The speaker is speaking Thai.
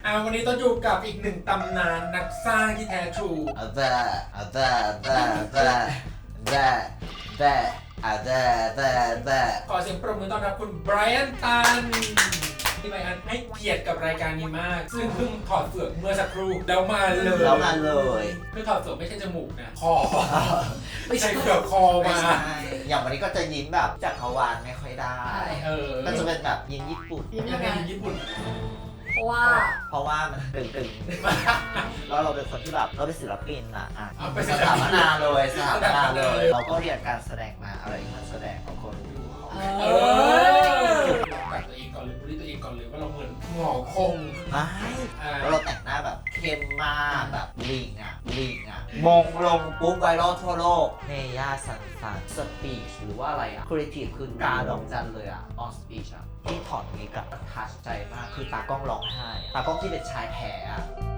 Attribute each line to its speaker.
Speaker 1: วันนี้ต้องอยู่กับอีกหนึ่งตำนานนักสร้างที่แท้ทรูขอเสียงปรบมือต้อนรับคุณไบรอันตันที่ไบรอันให้เกียรติกับรายการนี้มาก ซึ่งเพิ่งถอดเฟือกเมื่อสักครู่แล้วมาเลยคือถอดเฟือกไม่ใช่จมูกนะคอไม่ใช่เฟือกคอมา
Speaker 2: อย่างวันนี้ก็จะยิ้มแบบจักรวาลไม่ค่อยได้ก็จะเป็นแบบยิ้มญี่ปุ่น
Speaker 1: ยังไงญี่ปุ่น
Speaker 2: เพราะว่ามันตึงๆแล้วเราเป็นคนที่แบบเราเป็นศิลปินอ่ะสถาปนาเลยเราก็เรียนการแสดงมาอะไรการแสดงของคนดู
Speaker 1: กับตัวเองก่อนเลยพูดตัวเองก่อนเลยว่าเราเหมือนหงอคง
Speaker 2: ไม่แล้วเราแต่งหน้าแบบเข้มมากแบบลิงอ่ะมงลงปุ๊บไวรัลทั่วโลกเนย่าสันสปีชหรือว่าอะไรอ่ะครีเอทีฟคือกาดอกจันเลยอ่ะออนสปีชอ่ะที่ถอดนี้กับทัชใจมากคือตากล้องร้องไห้ตากล้องที่เป็นชายแท้อ่ะ